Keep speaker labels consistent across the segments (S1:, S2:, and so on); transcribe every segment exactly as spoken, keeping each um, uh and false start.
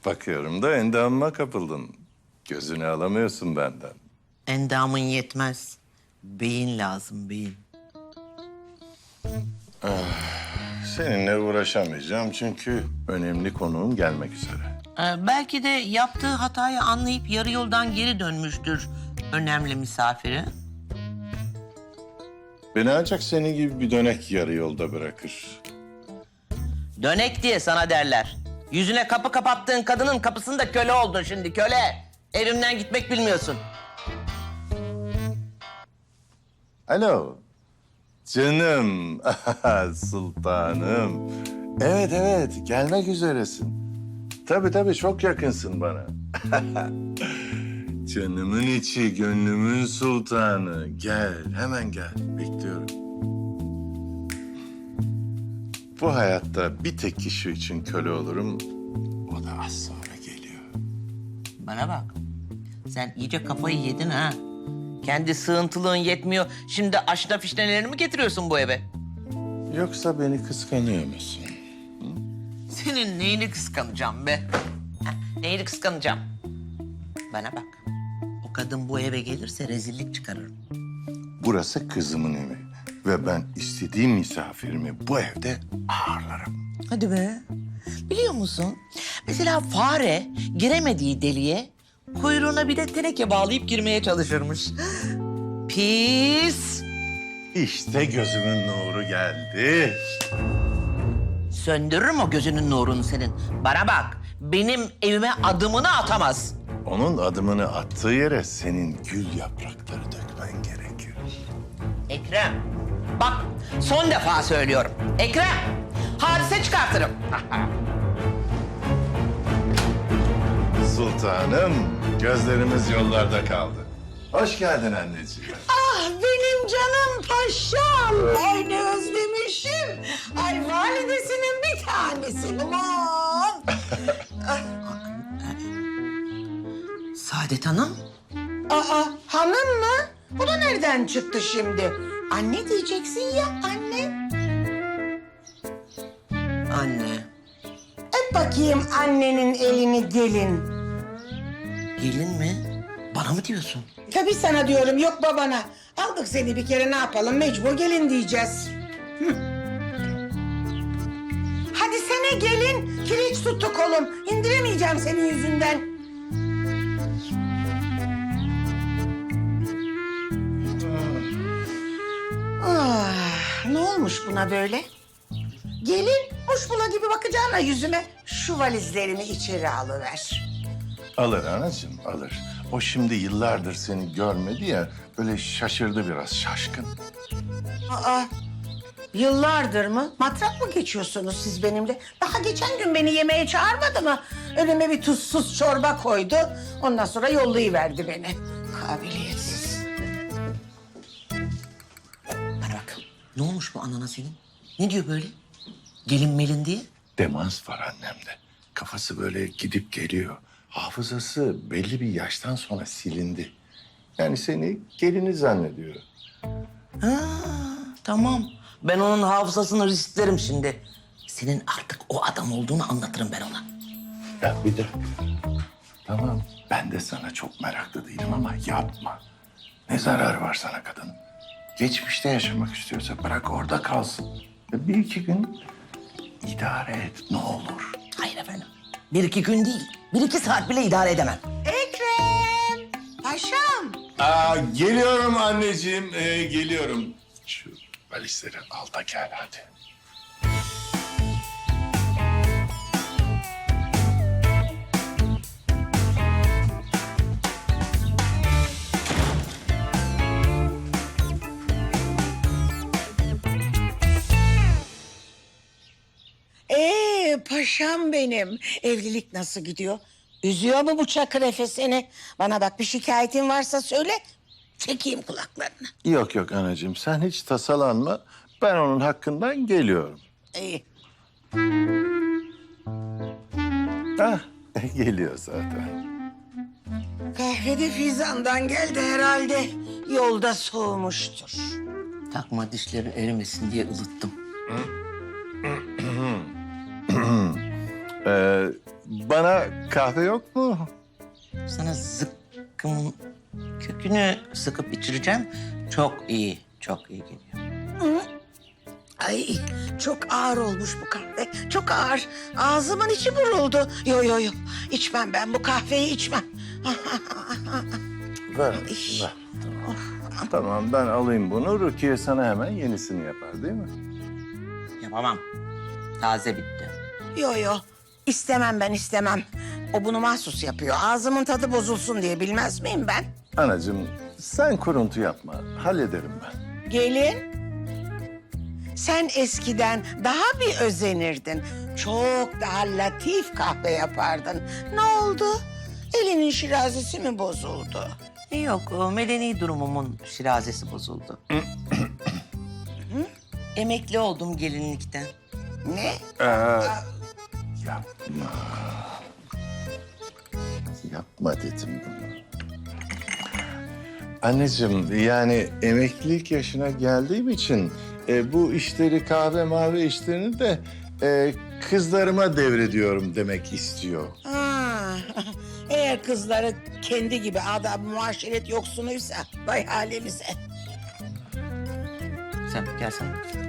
S1: Bakıyorum da endamıma kapıldın. Gözünü alamıyorsun benden.
S2: Endamın yetmez. Beyin lazım, beyin.
S1: Seninle uğraşamayacağım çünkü önemli konuğum gelmek üzere.
S2: Ee, belki de yaptığı hatayı anlayıp yarı yoldan geri dönmüştür önemli misafiri.
S1: Beni ancak senin gibi bir dönek yarı yolda bırakır.
S2: Dönek diye sana derler. Yüzüne kapı kapattığın kadının kapısında köle oldun şimdi, köle. Evimden gitmek bilmiyorsun.
S1: Alo. Canım, sultanım. Evet, evet, gelmek üzeresin. Tabii tabii, çok yakınsın bana. Canımın içi, gönlümün sultanı. Gel, hemen gel. Bekliyorum. Bu hayatta bir tek kişi için köle olurum. O da az sonra geliyor.
S2: Bana bak. Sen iyice kafayı yedin ha. Kendi sığıntılığın yetmiyor. Şimdi aşna fişnelerini mi getiriyorsun bu eve?
S1: Yoksa beni kıskanıyor musun?
S2: Senin neyini kıskanacağım be? Ha, neyini kıskanacağım? Bana bak. O kadın bu eve gelirse rezillik çıkarırım.
S1: Burası kızımın evi. Ve ben istediğim misafirimi bu evde ağırlarım.
S2: Hadi be. Biliyor musun? Mesela fare giremediği deliğe kuyruğuna bir de teneke bağlayıp girmeye çalışırmış. Pis.
S1: İşte gözümün nuru geldi.
S2: Söndürürüm o gözünün nurunu senin. Bana bak. Benim evime adımını atamaz.
S1: Onun adımını attığı yere senin gül yaprakları dökmen gerekir.
S2: Ekrem. Bak son defa söylüyorum. Ekrem. Hadise çıkartırım.
S1: Sultanım, gözlerimiz yollarda kaldı. Hoş geldin anneciğim.
S3: Ah benim canım paşam. Ay ne özlemişim. Ay validesinin bir tanesi. Aman.
S2: Saadet Hanım.
S3: Aa hanım mı? Bu da nereden çıktı şimdi? Anne diyeceksin ya anne.
S2: Anne.
S3: Öp bakayım annenin elini gelin.
S2: Gelin mi? Bana mı diyorsun?
S3: Tabii sana diyorum yok babana. Aldık seni bir kere ne yapalım mecbur gelin diyeceğiz. Hı. Hadi sene gelin. Kireç tuttu kolum. İndiremeyeceğim senin yüzünden. Ah, ne olmuş buna böyle? Gelin muşmula gibi bakacağına yüzüme şu valizlerimi içeri alıver.
S1: Alır anacığım, alır. O şimdi yıllardır seni görmedi ya, böyle şaşırdı biraz, şaşkın.
S3: Aa, yıllardır mı? Matrak mı geçiyorsunuz siz benimle? Daha geçen gün beni yemeğe çağırmadı mı? Önüme bir tuzsuz çorba koydu. Ondan sonra yollayıverdi beni. Kabiliyetsiz.
S2: Bana bak. Ne olmuş bu anana senin? Ne diyor böyle? Gelin melin diye.
S1: Demans var annemde. Kafası böyle gidip geliyor. Hafızası belli bir yaştan sonra silindi. Yani seni gelini zannediyor.
S2: Ha, tamam. Ben onun hafızasını risklerim şimdi. Senin artık o adam olduğunu anlatırım ben ona.
S1: Ya bir dakika. Tamam, ben de sana çok meraklı değilim ama yapma. Ne zararı var sana kadının? Geçmişte yaşamak istiyorsa bırak orada kalsın. Ya bir iki gün idare et ne olur.
S2: Hayır efendim. Bir iki gün değil. Bir iki saat bile idare edemem.
S3: Ekrem! Paşam!
S1: Aa, geliyorum anneciğim, ee, geliyorum. Şu valizleri al da gel hadi.
S3: Ee paşam benim. Evlilik nasıl gidiyor? Üzüyor mu bu Çakır Efe seni? Bana bak bir şikayetin varsa söyle. Çekeyim kulaklarını.
S1: Yok yok anacığım, sen hiç tasalanma. Ben onun hakkından geliyorum.
S3: İyi.
S1: Hah, geliyor zaten.
S3: Kahvede Fizan'dan geldi herhalde. Yolda soğumuştur.
S2: Takma dişleri erimesin diye ılıttım.
S1: Ee, bana kahve yok mu?
S2: Sana zıkkımın kökünü sıkıp içireceğim. Çok iyi, çok iyi geliyor.
S3: Ay çok ağır olmuş bu kahve. Çok ağır. Ağzımın içi buruldu. Yo yo yo. İçmem ben bu kahveyi içmem.
S1: Ver,
S3: İş.
S1: ver. Tamam, ben alayım bunu. Rukiye sana hemen yenisini yapar değil mi?
S2: Yapamam. Taze bitti.
S3: Yo yo. İstemem ben istemem. O bunu mahsus yapıyor. Ağzımın tadı bozulsun diye bilmez miyim ben?
S1: Anacığım, sen kuruntu yapma. Hallederim ben.
S3: Gelin. Sen eskiden daha bir özenirdin. Çok daha latif kahve yapardın. Ne oldu? Elinin şirazesi mi bozuldu?
S2: Yok, o medeni durumumun şirazesi bozuldu. Emekli oldum gelinlikten.
S3: Ne?
S1: Ee, yapma. Yapma dedim bunu. Anneciğim, yani emeklilik yaşına geldiğim için e, bu işleri, kahve mavi işlerini de e, kızlarıma devrediyorum demek istiyor.
S3: Ha, eğer kızları kendi gibi adab muaşeret yoksunuysa vay halimize.
S2: Sen gelsene.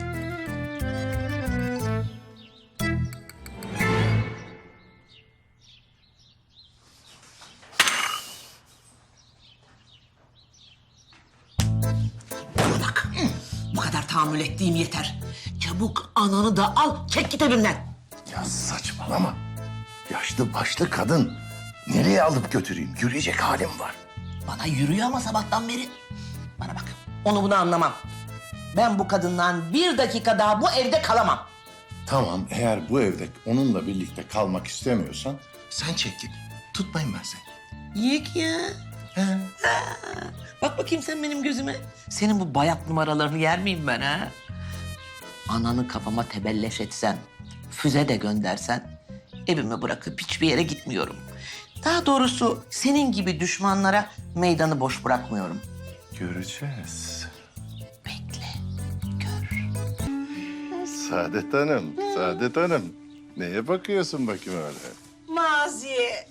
S2: Bana bak. Bu kadar tahammül ettiğim yeter. Çabuk ananı da al, çek git evimden.
S1: Ya saçmalama. Yaşlı başlı kadın. Nereye alıp götüreyim? Yürüyecek halim var.
S2: Bana yürüyor ama sabahtan beri. Bana bak, onu bunu anlamam. Ben bu kadından bir dakika daha bu evde kalamam.
S1: Tamam, eğer bu evde onunla birlikte kalmak istemiyorsan sen çek git. Tutmayın ben seni.
S2: Yek ya.
S1: He.
S2: Bak bakayım sen benim gözüme. Senin bu bayat numaralarını yer miyim ben ha? Ananı kafama tebelleş etsen, füze de göndersen... evimi bırakıp hiçbir yere gitmiyorum. Daha doğrusu senin gibi düşmanlara meydanı boş bırakmıyorum.
S1: Göreceğiz.
S2: Bekle, gör.
S1: Saadet Hanım, Saadet Hanım. Neye bakıyorsun bakayım öyle?
S3: Maziye.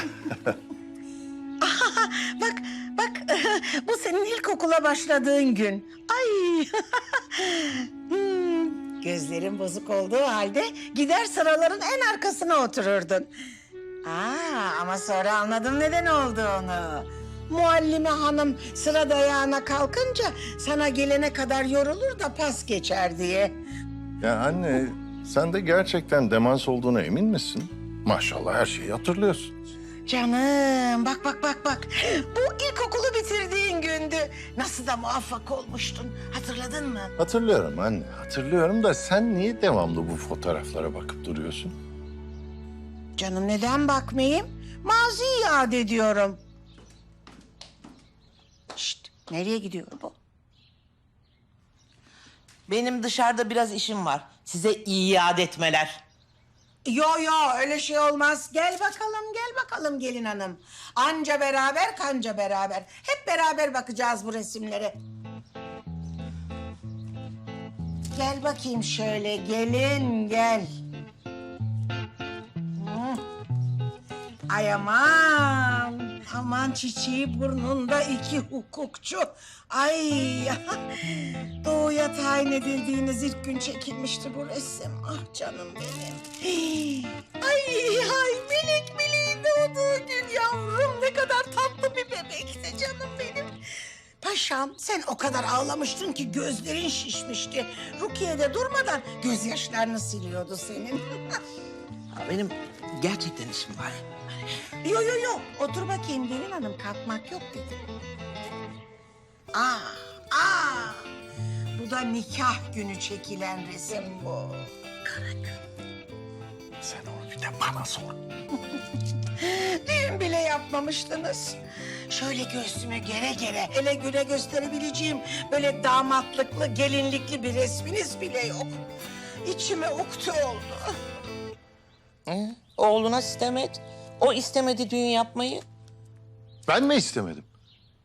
S3: Aha, bak, bak bu senin ilkokula başladığın gün. Ay. Hmm, gözlerin bozuk olduğu halde gider sıraların en arkasına otururdun. Aa, ama sonra anladım neden olduğunu. Muallime hanım sıra dayağına kalkınca sana gelene kadar yorulur da pas geçer diye.
S1: Ya anne, sen de gerçekten demans olduğuna emin misin? Maşallah her şeyi hatırlıyorsun.
S3: Canım bak bak bak bak. Bu ilkokulu bitirdiğin gündü. Nasıl da muvaffak olmuştun. Hatırladın mı?
S1: Hatırlıyorum anne, hatırlıyorum da sen niye devamlı bu fotoğraflara bakıp duruyorsun?
S3: Canım neden bakmayayım? Maziyi yad ediyorum. Şşt, nereye gidiyor bu?
S2: Benim dışarıda biraz işim var. Size iade etmeler.
S3: Yo yo öyle şey olmaz. Gel bakalım gel bakalım gelin hanım. Anca beraber kanca beraber. Hep beraber bakacağız bu resimlere. Gel bakayım şöyle gelin gel. Hı. Ay aman. Aman çiçeği burnunda iki hukukçu. Ay doğuya tayin edildiğiniz ilk gün çekilmişti bu resim. Ah canım benim. Hii. Ay ay melek meleğin doğduğu gün yavrum ne kadar tatlı bir bebekti canım benim. Paşam sen o kadar ağlamıştın ki gözlerin şişmişti. Rukiye de durmadan gözyaşlarını siliyordu senin.
S2: Ha, benim gerçekten işim var.
S3: Yo yo yo otur bakayım gelin hanım kalkmak yok dedim. Aa, aa. Bu da nikah günü çekilen resim bu. Kara gün.
S1: Sen onu bir de bana sor.
S3: Düğün bile yapmamıştınız. Şöyle göğsüme gere gere ele güne gösterebileceğim böyle damatlıklı, gelinlikli bir resminiz bile yok. İçime uktu oldu.
S2: Hı? Oğluna sitem et. O istemedi düğün yapmayı.
S1: Ben mi istemedim?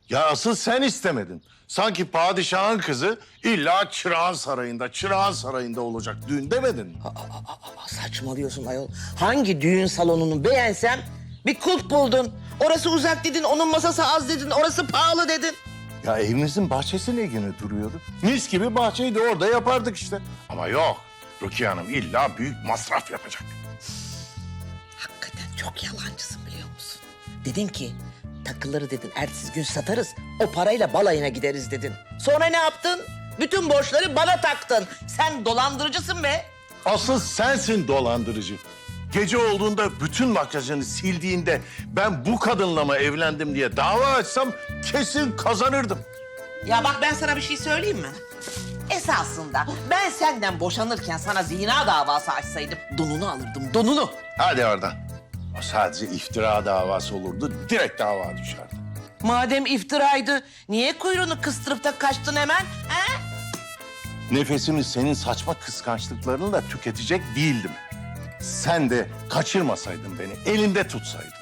S1: Ya asıl sen istemedin. Sanki padişahın kızı illa çırağan sarayında, çırağan sarayında olacak. Düğün demedin mi?
S2: Aa, saçmalıyorsun ayol. Hangi düğün salonunu beğensem bir kulp buldun. Orası uzak dedin, onun masası az dedin, orası pahalı dedin.
S1: Ya evimizin bahçesi ne güne duruyordu? Mis gibi bahçeydi, orada yapardık işte. Ama yok, Rukiye Hanım illa büyük masraf yapacak.
S2: Hakikaten çok yalancısın biliyor musun? Dedin ki takıları dedin ertesi gün satarız, o parayla balayına gideriz dedin. Sonra ne yaptın? Bütün borçları bana taktın. Sen dolandırıcısın be.
S1: Asıl sensin dolandırıcı. Gece olduğunda bütün makyajını sildiğinde ben bu kadınla mı evlendim diye dava açsam kesin kazanırdım.
S2: Ya bak ben sana bir şey söyleyeyim mi? Esasında ben senden boşanırken sana zina davası açsaydım donunu alırdım, donunu.
S1: Hadi oradan. O sadece iftira davası olurdu, direkt dava düşerdi.
S2: Madem iftiraydı, niye kuyruğunu kıstırıp da kaçtın hemen? He?
S1: Nefesimi senin saçma kıskançlıklarınla tüketecek değildim. Sen de kaçırmasaydın beni, elinde tutsaydın.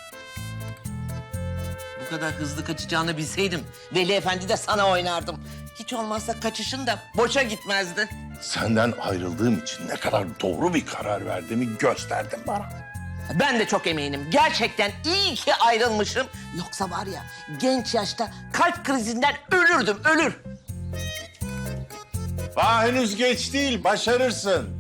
S2: Bu kadar hızlı kaçacağını bilseydim Veli Efendi de sana oynardım. Hiç olmazsa kaçışın da boşa gitmezdi.
S1: Senden ayrıldığım için ne kadar doğru bir karar verdiğimi gösterdin bana.
S2: Ben de çok eminim. Gerçekten iyi ki ayrılmışım. Yoksa var ya genç yaşta kalp krizinden ölürdüm, ölür.
S1: Daha henüz geç değil, başarırsın.